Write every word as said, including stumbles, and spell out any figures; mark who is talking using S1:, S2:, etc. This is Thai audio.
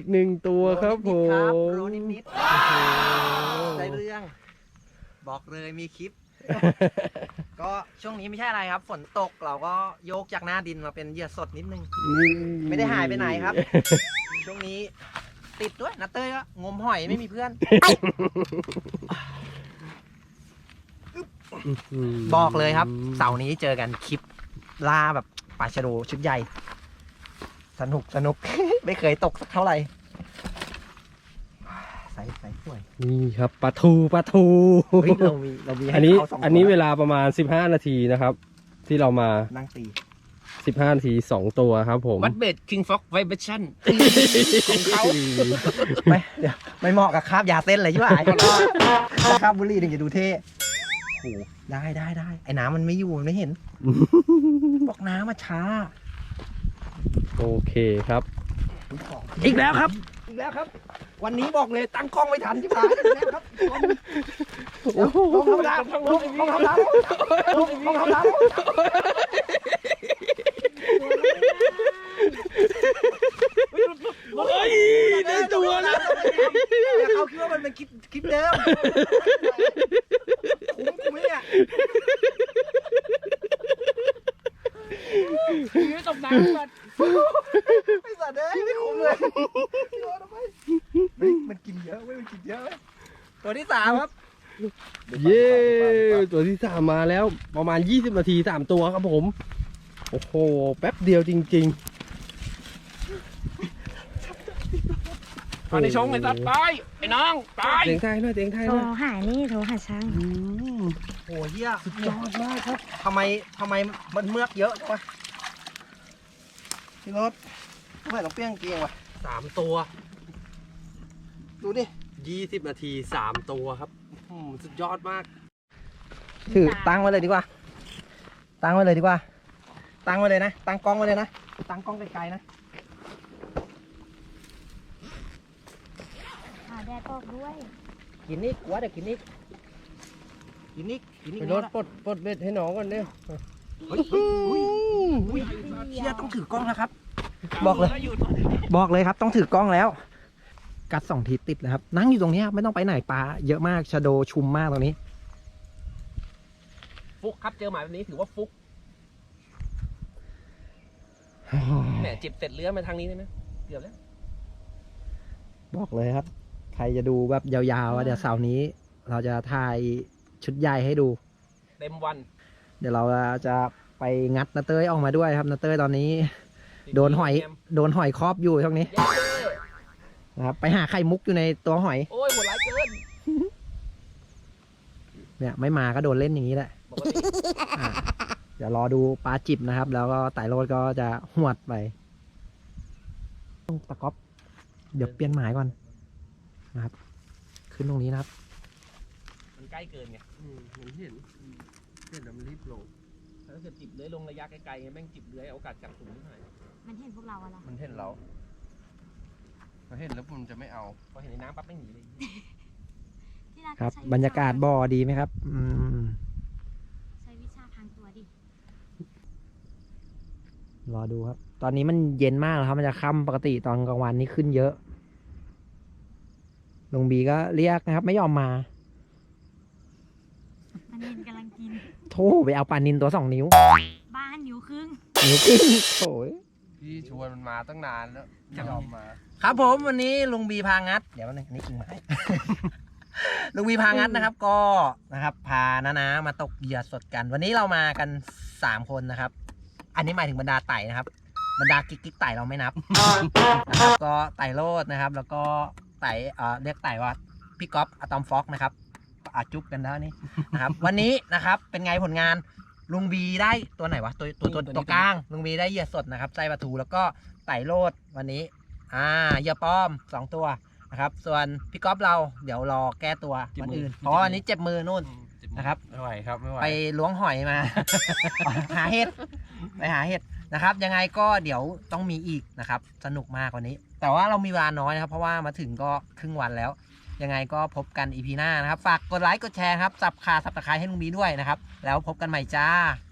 S1: กหนึ่งตัวครับผ
S2: โร
S1: ม
S2: นิดนิดได้เรื่อง บอกเลยมีคลิป ก็ช่วงนี้ไม่ใช่อะไรครับ ฝนตกเราก็โยกจากหน้าดินมาเป็นเหยื่อสดนิดนึง ไม่ได้หายไปไหนครับ ช่วงนี้ติดด้วยนะเต้ยก็งมหอยไม่มีเพื่อน บอกเลยครับ เสาร์นี้เจอกันคลิปล่าแบบปลาชะโดชุดใหญ่ สนุกสนุก ไม่เคยตกสักเท่าไหร่ใส่ใส่สวย
S1: นี่ครับปลาทูปลาทู
S2: เฮ้ยเรามีเรามีให้
S1: อันนี้
S2: เขาสอง
S1: อันนี้
S2: ตัว
S1: เวลาประมาณสิบห้านาทีนะครับ ที่เรามา
S2: นั่งตี
S1: สิบห้านาทีสองตัวครับผม
S2: วัดเบดคิงฟ็อกไวเบชั่นของเขาไม่เดี๋ยวไม่เหมาะกับคาบยาเส้นเลยใช่ไหมคาบบุหรี่ถึงจะดูเท่โอ้โหได้ได้ได้ไอ้น้ำมันไม่อยู่มันไม่เห็น บอกน้ำมาช้า
S1: โอเคครับ
S2: อีกแล้วครับ อีกแล้วครับ วันนี้บอกเลยตั้งกล้องไม่ทันที่ผ่านอีกแล้วครับลงธรรมดาลงลงธรรมดาลงลงธรรมดาเฮ้ยได้ตัวแล้วเขาคิดว่ามันเป็นคลิปคลิปเดิมคุ้มคุ้มไหมเนี่ยตบน้ำก่อนไม่สัตว์เลยไม่คุ้มเลยพี่โอ๊ตทำไมเฮ้ยมันกินเยอะเว้ยมันกินเยอะเว้ยตัวที่สามครับ
S1: เย้ตัวที่สามมาแล้วประมาณยี่สิบนาทีสามตัวครับผม โอ้โหแป๊บเดียวจริงๆ
S3: ตอนในชงไอ้สัตว์ตายไอ้น้องตาย
S1: เสียงไทยหน่อยเสียงไทย
S4: โท
S1: ห
S4: ร
S1: น่อย
S4: หานี่โทรหาช่าง
S1: อืม
S2: โอ้เหี้ย
S1: สุดยอดมากครับ
S2: ทำไมทำไมมันเมือกเยอะจังวะพี่รถทำไมต้องเปรี้ยงเกงวะ
S1: สามตัว
S2: ดูดิ
S1: ยี่สิบนาทีสามตัวครับอืมสุดยอดมาก
S2: ถือตั้งไว้เลยดีกว่า ตั้งไว้เลยดีกว่า ตั้งไว้เลยนะ ตั้งกล้องไว้เลยนะ ตั้งกล้องไกลๆนะ
S4: หาแดดออกด้วย
S2: กินนี่กลัวเดี๋ยวกินนี่กินนี่กินนี่
S1: ไปรถปลดปลดเบ็ดให้น้องก่อนเนี่ย
S2: เฮ้ยเฮ้ยเฮ้ยเฮ้ยเชี่ยต้องถือกล้องแล้วครับ บอกเลย บอกเลยครับต้องถือกล้องแล้ว กัดสองทีติดเลยครับ นั่งอยู่ตรงนี้ไม่ต้องไปไหนปลาเยอะมากชะโดชุมมากตรงนี้
S3: ฟุกครับเจอหมายแบบนี้ถือว่าฟุกแหมจิบเสร็จเลื้อยมาทางนี้ได้ไหมเกือบแล้ว
S2: บอกเลยครับ ใครจะดูแบบยาวๆอ่ะเดี๋ยวเสาร์นี้ เราจะถ่ายชุดใหญ่ให้ดู
S3: เต็มวัน
S2: เดี๋ยวเราจะไปงัดนาเต้ยออกมาด้วยครับนาเต้ยตอนนี้ โดนหอย โดนหอยครอบอยู่ช่วงนี้
S3: เย้
S2: นะครับไปหาไข่มุกอยู่ในตัวหอย
S3: โอ้ยโหดร้ายเกิน
S2: เนี่ยไม่มาก็โดนเล่นอย่างนี้แหละ
S3: ปกติ
S2: อ่ะเดี๋ยวรอดูปลาจิบนะครับ แล้วก็ไต่โรดก็จะหวดไปตะก๊อบเดี๋ยวเปลี่ยนหมายก่อนนะครับ ขึ้นตรงนี้นะครับ
S3: มันใกล้เกินไง
S1: อืมเห็นเห็นเห็นแล้วมันรีบลง
S3: ถ้าเกิดจิบเลื้อยลงระยะไกลๆแม่งจิบเลื้อยโอกาสจับสูงนิดหน่อย
S4: มันเห็นพวกเราอะล่ะ
S1: มันเห็นเราเราเห็นแล้วมันจะไม่เอา
S3: พอเห็นในน้ำปั๊บไม่หนีเลย
S4: ที่รัก
S2: ครับ
S4: ใช้
S2: บรรยากาศบ่อดีไหมครับ อืม
S4: ใช้วิชาพรางตัวดิ
S2: รอดูครับ ตอนนี้มันเย็นมากแล้วครับ มันจะค่ำปกติตอนกลางวันนี้ขึ้นเยอะลุงบีก็เรียกนะครับ ไม่ยอมมา
S4: มันเห็นกำลังกิน
S2: โธ่ไปเอาปลานินตัวสองนิ้ว
S4: บ้านนิ้วครึ่ง
S2: นิ้วครึ่งโถ่
S1: พี่ชวนมันมาตั้งนานแล้วไม่ยอมมา
S2: ครับผมวันนี้ลุงบีพางัด เดี๋ยวนึงนี่กิ่งไม้ ลุงบีพางัดนะครับ ก็นะครับ พาน้านามาตกเหยื่อสดกัน วันนี้เรามากันสามคนนะครับ อันนี้หมายถึงบรรดาไต่นะครับ บรรดากิ๊กกิ๊กไต่เราไม่นับ นะครับก็ไต่โลดนะครับ แล้วก็ไต่เอ่อเรียกไต่ว่าพี่ก๊อฟอะตอมฟ็อกนะครับอาจุ๊บกันแล้วนี่นะครับ วันนี้นะครับเป็นไงผลงานลุงบีได้ตัวไหนวะตัวตัวตัวตัวกลางลุงบีได้เหยื่อสดนะครับไส้ปลาทูแล้วก็ไต่โลดวันนี้อ่าเหยื่อป้อมสองตัวนะครับ ส่วนพี่ก๊อฟเราเดี๋ยวรอแก้ตัววันอื่นเพราะว่าวันนี้เจ็บมือนู่นนะครับ
S1: ไม่ไหวครับไม่ไหว
S2: ไปล้วงหอยมา หาเห็ดไปหาเห็ดนะครับ ยังไงก็เดี๋ยวต้องมีอีกนะครับ สนุกมากวันนี้ แต่ว่าเรามีเวลาน้อยนะครับ เพราะว่ามาถึงก็ครึ่งวันแล้ว ยังไงก็พบกันอีพีหน้านะครับ ฝากกดไลค์กดแชร์ครับสับขาสับตะไคร้ให้ลุงบีด้วยนะครับ แล้วพบกันใหม่จ้า